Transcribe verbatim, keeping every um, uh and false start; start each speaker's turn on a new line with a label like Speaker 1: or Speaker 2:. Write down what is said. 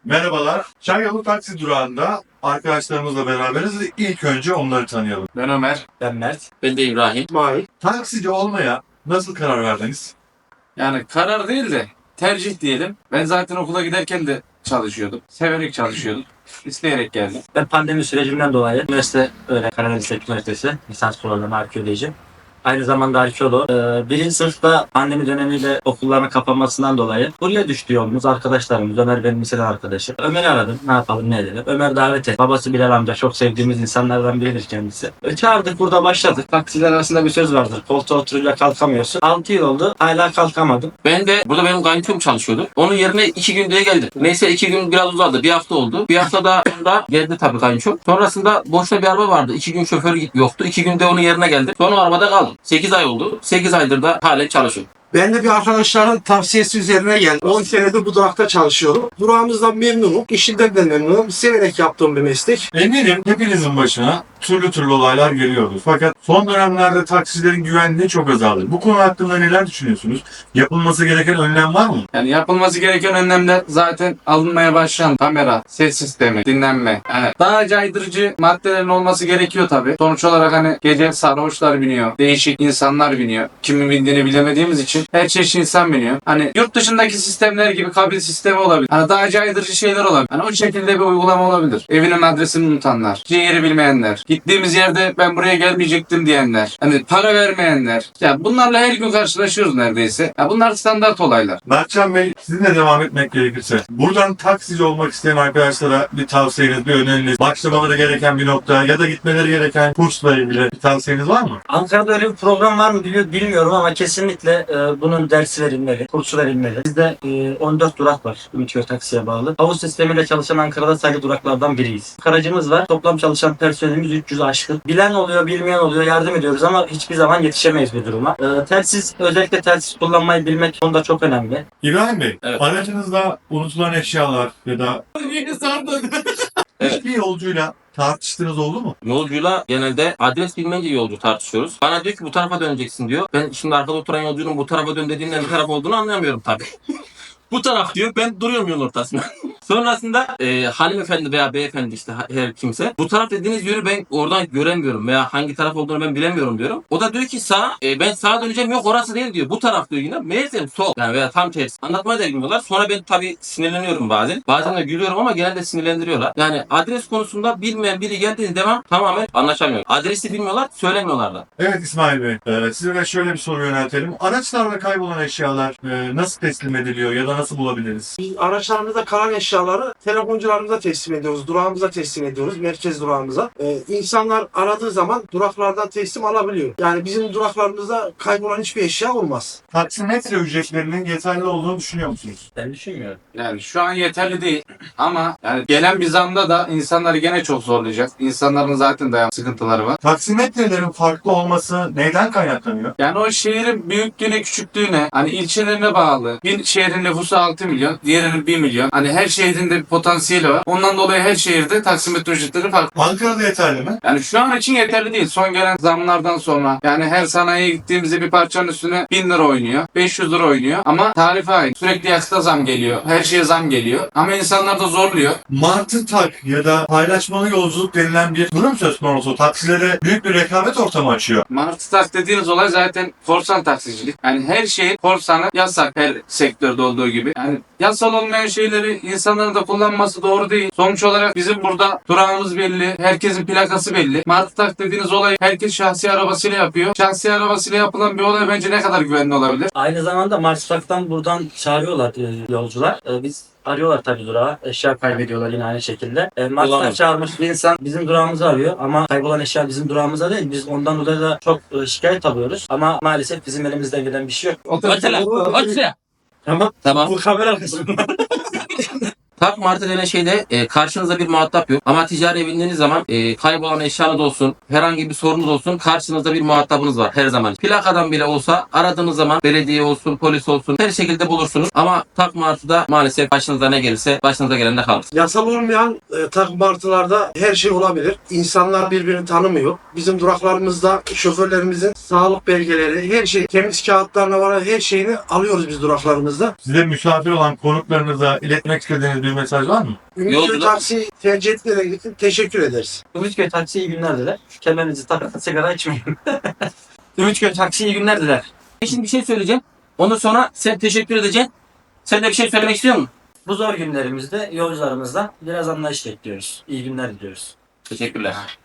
Speaker 1: Merhabalar. Çayyolu taksi durağında arkadaşlarımızla beraberiz. İlk önce onları tanıyalım.
Speaker 2: Ben Ömer.
Speaker 3: Ben Mert.
Speaker 2: Ben de İbrahim.
Speaker 3: İsmail.
Speaker 1: Taksici olmaya nasıl karar verdiniz?
Speaker 2: Yani karar değil de tercih diyelim. Ben zaten okula giderken de çalışıyordum. Severek çalışıyordum. İsteyerek geldim.
Speaker 3: Ben pandemi sürecinden dolayı üniversite öğren Karadeniz Teknik Üniversitesi lisans programı arkeolojiyim. Aynı zamanda arkeolog. Ee, birinci sınıfta pandemi dönemiyle okulların kapanmasından dolayı buraya düştü yolumuz. Arkadaşlarımız, Ömer benim liseden arkadaşım. Ömer'i aradım. Ne yapalım ne edelim. Ömer davet etti. Babası Bilal amca çok sevdiğimiz insanlardan biridir kendisi. E, çağırdık, burada başladık. Taksiler arasında bir söz vardır. Koltuğa oturunca kalkamıyorsun. altı yıl oldu. Hala kalkamadım.
Speaker 4: Ben de burada benim kayınçom çalışıyordu. Onun yerine iki gün diye geldi. Neyse iki gün biraz uzadı. Bir hafta oldu. Bir hafta da sonra geldi tabii kayınçom. Sonrasında boşta bir araba vardı. İki gün şoförü yoktu. İki günde onun yerine geldi. Sonra arabada kaldım. sekiz ay oldu. sekiz aydır da halen çalışıyorum.
Speaker 5: Ben de bir arkadaşların tavsiyesi üzerine geldim. on senedir bu durakta çalışıyorum. Durağımızdan memnunum. İşimden de memnunum. Severek yaptığım bir meslek.
Speaker 1: Eminim hepinizin başına türlü türlü olaylar geliyordur. Fakat son dönemlerde taksilerin güvenliği çok azaldı. Bu konu hakkında neler düşünüyorsunuz? Yapılması gereken önlem var mı?
Speaker 2: Yani yapılması gereken önlemler zaten alınmaya başlandı. Kamera, ses sistemi, dinlenme. Yani daha caydırıcı maddelerin olması gerekiyor tabii. Sonuç olarak hani gece sarhoşlar biniyor. Değişik insanlar biniyor. Kimin bindiğini bilemediğimiz için her çeşit insan biniyor. Hani yurt dışındaki sistemler gibi kabin sistemi olabilir. Hani daha caydırıcı şeyler olabilir. Hani o şekilde bir uygulama olabilir. Evinin adresini unutanlar, yeri bilmeyenler, gittiğimiz yerde ben buraya gelmeyecektim diyenler, hani para vermeyenler. Ya bunlarla her gün karşılaşıyoruz neredeyse. Ya bunlar standart olaylar.
Speaker 1: Mertcan Bey, sizinle devam etmek gerekirse, buradan taksici olmak isteyen arkadaşlara bir tavsiyeniz, bir öneriniz, başlamaları gereken bir nokta ya da gitmeleri gereken kursla ilgili bir tavsiyeniz var mı?
Speaker 3: Ankara'da öyle bir program var mı bili- bilmiyorum ama kesinlikle e, bunun dersi verilmeli, kursu verilmeli. Bizde e, on dört durak var Ümitköy taksiye bağlı. Havuz sistemiyle çalışan Ankara'da sayılı duraklardan biriyiz. Aracımız var. Toplam çalışan personelimiz üç yüz aşkın. Bilen oluyor, bilmeyen oluyor, yardım ediyoruz ama hiçbir zaman yetişemeyiz bir duruma. E, telsiz, özellikle telsiz kullanmayı bilmek konuda çok önemli.
Speaker 1: İbrahim Bey,
Speaker 4: Evet.
Speaker 1: aracınızda unutulan eşyalar ya da
Speaker 4: Evet.
Speaker 1: hiçbir yolcuyla tartıştığınız oldu mu?
Speaker 4: Yolcuyla genelde adres bilmeyince yolcu tartışıyoruz. Bana diyor ki bu tarafa döneceksin diyor. Ben şimdi arkada oturan yolcunun bu tarafa dön dediğinden ne taraf olduğunu anlayamıyorum tabii. Bu taraf diyor, ben duruyorum yolun ortasında. Sonrasında e, hanımefendi veya beyefendi işte her kimse bu taraf dediğiniz yönü ben oradan göremiyorum veya hangi taraf olduğunu ben bilemiyorum diyorum. O da diyor ki sağ, e, ben sağa döneceğim, yok orası değil diyor. Bu taraf diyor yine. Meğersem sol yani veya tam tersi. Anlatmayı da bilmiyorlar. Sonra ben tabii sinirleniyorum bazen. Bazen de gülüyorum ama genelde sinirlendiriyorlar. Yani adres konusunda bilmeyen biri geldiği devam tamamen anlaşamıyor. Adresi bilmiyorlar, söylemiyorlar da.
Speaker 1: Evet İsmail Bey, e, size de şöyle bir soru yöneltelim. Araçlarda kaybolan eşyalar e, nasıl teslim ediliyor ya da nasıl bulabiliriz?
Speaker 5: Biz araçlarımızda kalan eşyaları telefoncularımıza teslim ediyoruz. Durağımıza teslim ediyoruz. Merkez durağımıza. Ee, insanlar aradığı zaman duraklardan teslim alabiliyor. Yani bizim duraklarımızda kaybolan hiçbir eşya olmaz.
Speaker 1: Taksimetre ücretlerinin yeterli olduğunu düşünüyor musunuz?
Speaker 3: Ben düşünmüyorum.
Speaker 2: Yani şu an yeterli değil ama yani gelen bir zamda da insanları gene çok zorlayacak. İnsanların zaten dayan sıkıntıları var.
Speaker 1: Taksimetrelerin farklı olması neyden kaynaklanıyor?
Speaker 2: Yani o şehrin büyüklüğüne küçüklüğüne hani ilçelerine bağlı. Bir şehrin nüfusu altı milyon, diğerinin bir milyon. Hani her şehrin de bir potansiyeli var. Ondan dolayı her şehirde taksimetre ücretleri farklı.
Speaker 1: Ankara'da yeterli mi?
Speaker 2: Yani şu an için yeterli değil. Son gelen zamlardan sonra yani her sanayiye gittiğimizde bir parçanın üstüne bin lira oynuyor, beş yüz lira oynuyor ama tarife aynı. Sürekli yakıta zam geliyor. Her şeye zam geliyor. Ama insanlar da zorluyor.
Speaker 1: Martı tak ya da paylaşmalı yolculuk denilen bir durum söz konusu. Taksilere büyük bir rekabet ortamı açıyor.
Speaker 2: Martı tak dediğiniz olay zaten korsan taksicilik. Yani her şeyin korsanı yasak her sektörde olduğu gibi. Yani yasal olmayan şeyleri insanların da kullanması doğru değil. Sonuç olarak bizim burada durağımız belli. Herkesin plakası belli. Martı tak dediğiniz olay herkes şahsi arabasıyla yapıyor. Şahsi arabasıyla yapılan bir olay bence ne kadar güvenli olabilir?
Speaker 3: Aynı zamanda Marsak'tan buradan çağırıyorlar e, yolcular. E, biz arıyorlar tabii durağa. Eşya kaybediyorlar yine aynı şekilde. E, Mars'tan
Speaker 4: Olamaz.
Speaker 3: çağırmış bir insan bizim durağımızı arıyor ama kaybolan eşya bizim durağımıza değil. Biz ondan dolayı da çok e, şikayet alıyoruz. Ama maalesef bizim elimizden gelen bir şey yok.
Speaker 4: Mesela, mesela.
Speaker 3: Tamam.
Speaker 4: Tamam.
Speaker 3: Bu kamera arkasında.
Speaker 4: Tak martı denen şeyde e, karşınızda bir muhatap yok. Ama ticari bindiğiniz zaman e, kaybolan eşyanız olsun, herhangi bir sorunuz olsun karşınızda bir muhatabınız var her zaman. Plakadan bile olsa aradığınız zaman belediye olsun, polis olsun her şekilde bulursunuz. Ama tak martıda maalesef başınıza ne gelirse başınıza gelen de kalır.
Speaker 5: Yasal olmayan e, takım martılarda her şey olabilir. İnsanlar birbirini tanımıyor. Bizim duraklarımızda şoförlerimizin sağlık belgeleri, her şey, temiz kağıtlarına varan her şeyini alıyoruz biz duraklarımızda.
Speaker 1: Size misafir olan konuklarınıza iletmek istediğiniz bir bir mesaj var mı?
Speaker 5: Ümitköy
Speaker 4: Yolcular-
Speaker 5: taksi tercih ettiğine için teşekkür ederiz.
Speaker 3: Ümitköy taksi iyi günler diler. Kemerinizi takın, sigara içmeyin. Ümitköy taksi iyi günler diler.
Speaker 4: Şimdi bir şey söyleyeceğim. Ondan sonra sen teşekkür edeceksin. Sen de bir şey söylemek istiyor musun?
Speaker 3: Bu zor günlerimizde yolcularımızdan biraz anlayış bekliyoruz. İyi günler diliyoruz.
Speaker 4: Teşekkürler.